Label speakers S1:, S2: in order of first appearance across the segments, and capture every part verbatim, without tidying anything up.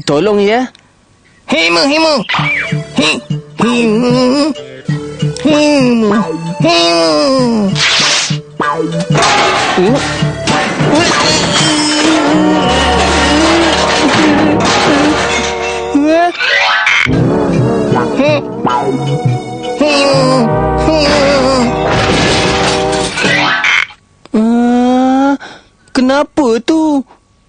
S1: tolong ya.
S2: Himu, himu. Hi, himu. Himu, himu.
S1: Uh. Uh, kenapa tu?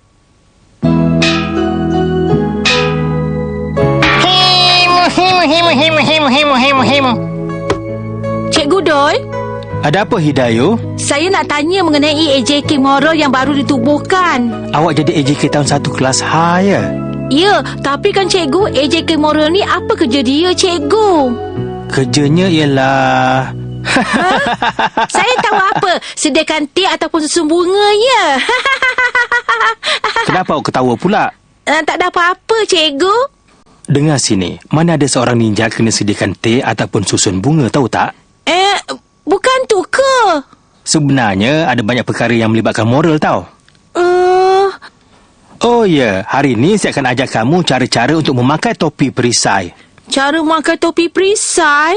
S2: Himu, himu, himu, himu, himu, himu, himu, himu.
S3: Cikgu Doi,
S1: Ada apa Hidayu?
S3: saya nak tanya mengenai A J K Moral yang baru ditubuhkan.
S1: Awak jadi A J K tahun satu kelas H ya?
S3: Ya, tapi kan cikgu, A J K Moral ni apa kerja dia, cikgu?
S1: Kerjanya ialah...
S3: Saya tahu apa, sediakan teh ataupun susu bunga, ya.
S1: Kenapa awak ketawa pula?
S3: Uh, tak ada apa-apa, cikgu.
S1: Dengar sini, mana ada seorang ninja kena sediakan teh ataupun susun bunga, tahu tak?
S3: Eh, bukan tu ke?
S1: Sebenarnya ada banyak perkara yang melibatkan moral, tahu?
S3: Uh,
S1: Oh ya, hari ini saya akan ajar kamu cara-cara untuk memakai topi perisai.
S3: cara memakai topi perisai?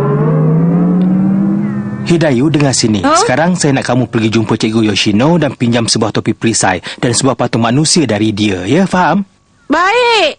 S1: Hidayu, dengar sini.
S3: Huh?
S1: Sekarang saya nak kamu pergi jumpa Cikgu Yoshino dan pinjam sebuah topi perisai dan sebuah patung manusia dari dia. Ya, faham?
S3: Baik.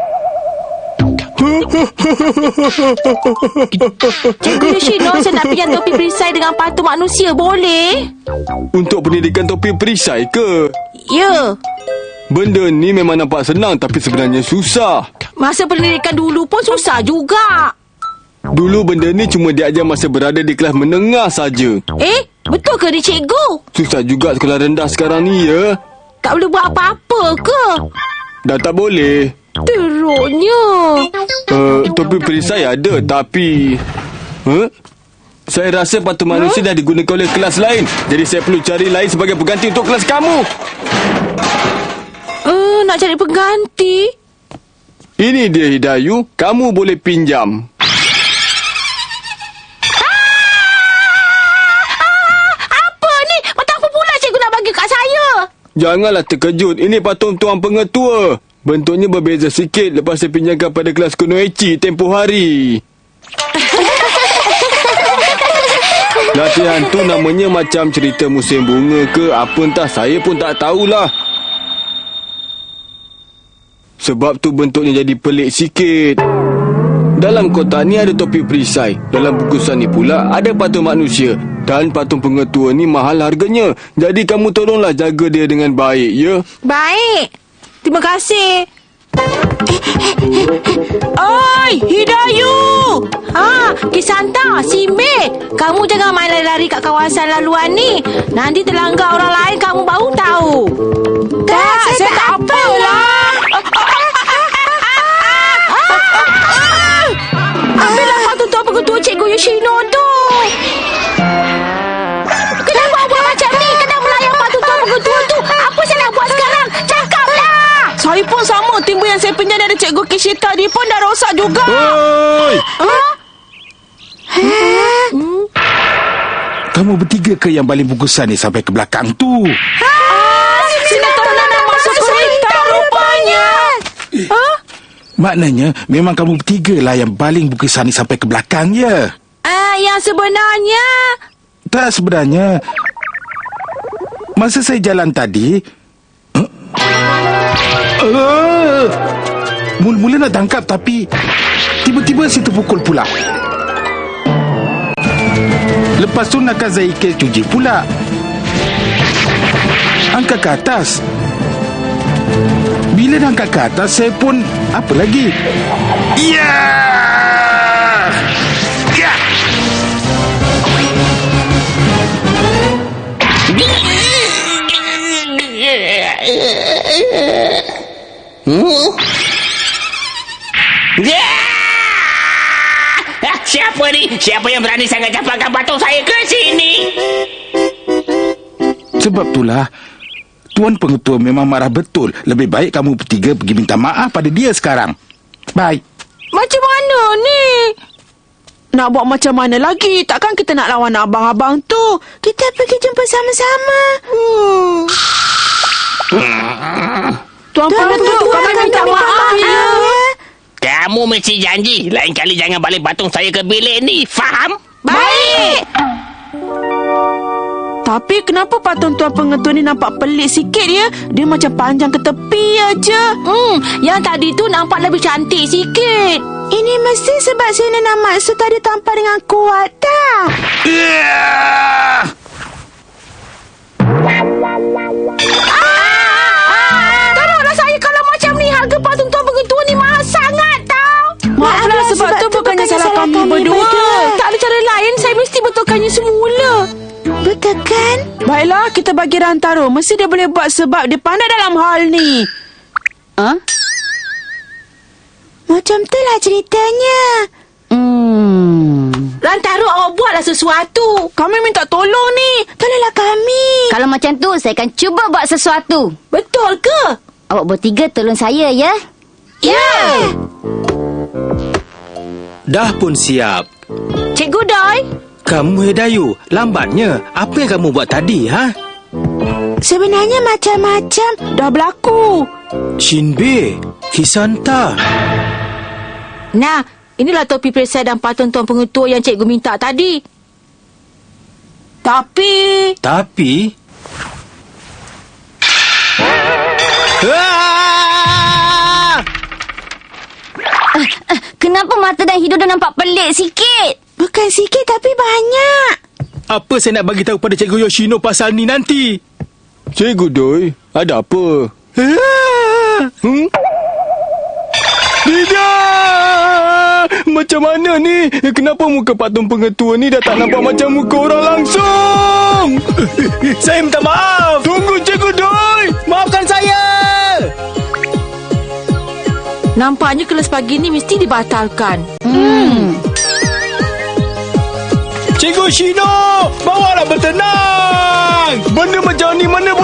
S3: Cikgu Yoshino, saya nak pinjam topi perisai dengan patung manusia, boleh?
S4: Untuk pendidikan topi perisai ke?
S3: Ya.
S4: Benda ni memang nampak senang tapi sebenarnya susah.
S3: Masa pendidikan dulu pun susah juga.
S4: Dulu benda ni cuma diajar masa berada di kelas menengah saja.
S3: Eh, betul ke ni, cikgu?
S4: Susah juga sekolah rendah sekarang ni, ya?
S3: Tak boleh buat apa-apa ke?
S4: Dah tak boleh.
S3: Teruknya.
S4: Uh, topi perisai ada tapi... Huh? Saya rasa patung manusia huh? dah digunakan oleh kelas lain. Jadi saya perlu cari lain sebagai pengganti untuk kelas kamu.
S3: Uh, nak cari pengganti?
S4: Ini dia Hidayu. Kamu boleh pinjam. Janganlah terkejut. Ini patung Tuan Pengetua. Bentuknya berbeza sikit lepas saya pinjamkan pada kelas Kunoichi tempoh hari. Latihan tu namanya macam cerita musim bunga ke apa entah. Saya pun tak tahulah. Sebab tu bentuknya jadi pelik sikit. Dalam kotak ni ada topi perisai. Dalam bungkusan ni pula ada patung manusia. Dan patung Pengetua ni mahal harganya. Jadi kamu tolonglah jaga dia dengan baik, ya?
S3: Baik. Terima kasih. Oi, Hidayu! Ha, Kisanta, Simbe, kamu jangan main lari-lari kat kawasan laluan ni. Nanti terlanggar orang lain kamu baru tahu. Tak, saya, saya tak apalah. Ambillah patung Tuan Pengetua Cikgu Yoshino tu. Kenapa buat macam ni? Kenapa melayang patung Tuan Pengetua tu? Apa saya nak buat sekarang? Cakaplah! Saya pun sama. Timbul yang saya pinjam dari Cikgu Kishita ni pun dah rosak juga.
S4: Oi!
S3: Ha? Hmm?
S5: Kamu bertiga ke yang baling bungkusan ni sampai ke belakang tu?
S3: Ha? Sinetron nak masuk kereta rupanya. Ha?
S5: Maknanya memang kamu bertiga lah yang baling bungkusan ni sampai ke belakang, ya?
S3: Ah, yang sebenarnya...
S5: Tak, sebenarnya masa saya jalan tadi huh? uh, mula-mula nak tangkap tapi tiba-tiba saya terpukul pula. Lepas tu Nakazaike cuci pula. Angkat ke atas. Bila dah angkat ke atas, saya pun apa lagi? Ya! Ya!
S2: Hmm? Ya! Siapa ni? Siapa yang berani sangat campakkan patung saya ke sini?
S5: Sebab itulah Tuan Pengetua memang marah betul. Lebih baik kamu bertiga pergi minta maaf pada dia sekarang. Bye.
S3: Macam mana ni? Nak buat macam mana lagi? Takkan kita nak lawan abang-abang tu? Kita pergi jumpa sama-sama. Hmm. Tuan Pengetua, kami minta maaf ya.
S2: Kamu mesti janji lain kali jangan balik patung saya ke bilik ni. Faham?
S3: Baik. Tapi kenapa patung Tuan Pengetua ni nampak pelik sikit ya? Dia macam panjang ke tepi aja. Hmm, yang tadi tu nampak lebih cantik sikit. Ini mesti sebab Sina nak maksud tadi tampar dengan kuat tak?
S5: Yeah!
S3: Ah, tolonglah saya kalau macam ni. Harga patung Tuan Pengetua ni mahal sangat tau. Maaflah sebab, sebab tu bukannya salah kami, kami berdua. berdua. Tak ada cara lain. Saya mesti betulkannya semula. Betul kan? Baiklah, kita bagi Rantaro. Mesti dia boleh buat sebab dia pandai dalam hal ni.
S6: Ha?
S3: Macam tu lah ceritanya.
S6: Hmm.
S3: Rantaro, awak buatlah sesuatu. Kami minta tolong ni. Tolonglah kami.
S6: Kalau macam tu, saya akan cuba buat sesuatu.
S3: Betul ke?
S6: Awak bertiga tolong saya, ya?
S3: Ya. Yeah.
S1: Dah pun siap.
S3: Cikgu Doi.
S1: Kamu Hidayu, lambatnya. Apa yang kamu buat tadi, ha?
S3: Sebenarnya macam-macam dah berlaku.
S1: Shinbe, Kisanta.
S3: Nah, inilah topi perisai dan patung Tuan Pengetua yang cikgu minta tadi. Tapi...
S1: Tapi... Ah!
S6: Uh, uh, kenapa mata dan hidung dah nampak pelik sikit?
S3: Bukan sikit tapi banyak.
S1: Apa saya nak bagi tahu pada Cikgu Yoshino pasal ni nanti?
S4: Cikgu Doi, ada apa?
S1: Ah!
S4: Hmm? Tidak! Macam mana ni? Kenapa muka patung Pengetua ni dah tak nampak macam muka orang langsung?
S1: Saya minta maaf.
S4: Tunggu Cikgu Doi!
S1: Maafkan saya.
S3: Nampaknya kelas pagi ni mesti dibatalkan.
S6: Hmm.
S4: Cikgu Shino, bawalah bertenang. Benda macam ni mana